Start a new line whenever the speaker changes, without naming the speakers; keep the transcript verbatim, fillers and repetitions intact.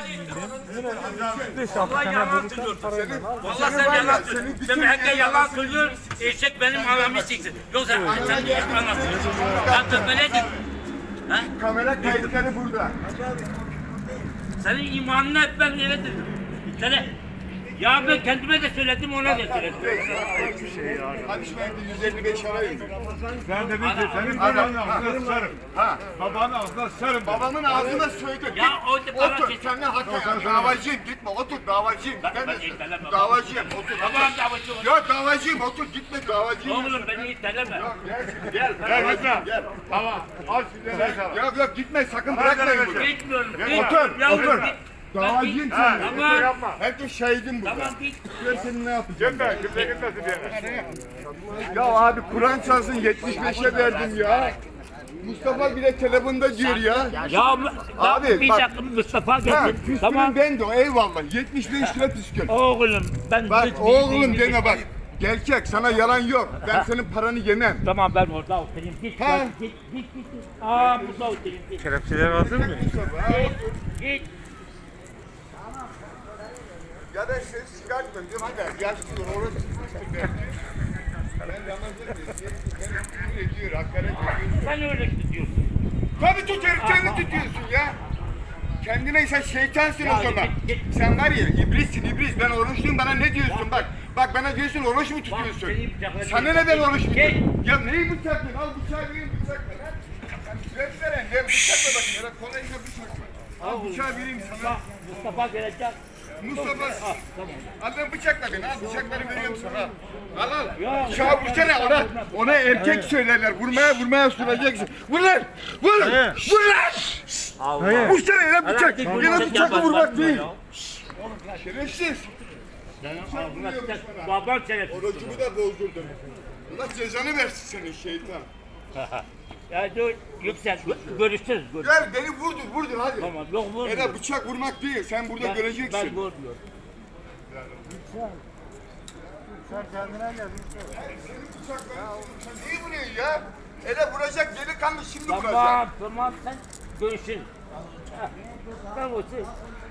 Vallahi yalan söylüyorsun. Vallahi sen yalan söylüyorsun. Sen herkes yalan söylüyor. Eşek benim anamı siksin. Yoksa sen de eşek anlatıyorsun. Ben de böyle değil. Ha?
Kamera kayıtları burada.
Senin imanını hep ben öyledir. Sana ya ben kendime de söyledim ona da söyledim.
Hadi ben de yüz elli beş arayayım.
Ben dedim ki senin babanın ağzına sıçarım.
Ha.
Babanın ağzına sıçarım.
Babamın ağzına söyledim.
Ya o bana
Otur,
şey-
seninle hatta davacıyım, gitme, otur, davacıyım.
Ben-
Ben
ben
de
itellemem.
davacıyım, otur.
Tamam davacı ol.
Ya davacıyım, otur, gitme, davacıyım.
Oğlum beni iteleme.
Gel, gel,
Gel gitme.
gel.
Tamam. Al şimdi ne sana.
Yok yok gitme, sakın bırakmayın bunu.
Gitmiyorum.
Otur,
Yavrum,
otur.
git.
Davacıyım
Ha,
seninle.
gitme yapma.
Herkes şahidim burada.
Tamam git.
Ben senin ne yapacağım?
Gitme. Kimse gitmesin bir yere.
Ya abi Kur'an çalsın yetmiş beşe verdim ya. Mustafa bile telefonda diyor ya.
Ya
Abi,
abi bir
bak-
dakika Mustafa
Ha,
getir.
küstürüm
Tamam.
ben de o eyvallah. yetmiş beş lira püskül.
Oğlum ben
Bak
hiç-
oğlum
hiç-
deme bak. Gerçek sana yalan yok. Ben senin paranı yemem.
Tamam ben orada oturayım. Git
Ha.
git git git git. Aa burada oturayım. Git
Kelepçeler hazır mı?
git. git.
Ya da ses çıkartmıyorum diyorum hadi yaşlıyor orası çıkmıştır ben. Ben Ramazan diyorum. Beni küfür ediyor, hakaret ediyor.
Sen öyle tutuyorsun.
Tabii tutuyorum, kendi tutuyorsun ya. Kendine sen şeytansın
Ya
o zaman.
git, git.
Sen var ya iblissin iblis. Ben oruçluyum bana ne diyorsun bak. Bak bana diyorsun oruç mu tutuyorsun?
seni bıçaklayacağım.
Sana ne ben oruç mu
Git.
tutuyorum? Ya neyi bıçaklıyorsun? Al bıçağı vereyim bıçak ver. ha. Sen süret veren ne bıçakla bakayım. Ya da kolayla bıçak ver. Al bıçağı vereyim sana.
Mustafa gelecek.
Mustafa.
Ah, tamam.
Al ben bıçakla beni. Al bıçakları veriyorum sana. Al al.
Ya,
Bıçağı
ya,
vursana
ya,
ona.
ya.
Ona erkek söylerler. Vurmaya vurmaya süreceksin. Vur lan. Vur. Vur lan.
Allah.
Vursana ya bıçak.
Herhalde bu
Yine
bıçak
bıçakla vurmak
yapmaz
değil.
ya.
Şerefsiz.
Ağzına sıçar. Baban şerefsiz.
Orucumu da bozdurdun. Allah cezanı versin senin şeytan.
Ya dur yüksel. Görüşürüz. görüşürüz.
Gel beni vurdur vurdur hadi.
Tamam yok vur.
Ela bıçak vurmak değil. Sen burada
Ben
göreceksin.
vurmuyorum.
Bıçak ben- Sen neyi vuruyorsun ya? Ela vuracak delikanlı şimdi vuracak.
Tamam tamam sen görüşürüz. Ha, Ben olsun.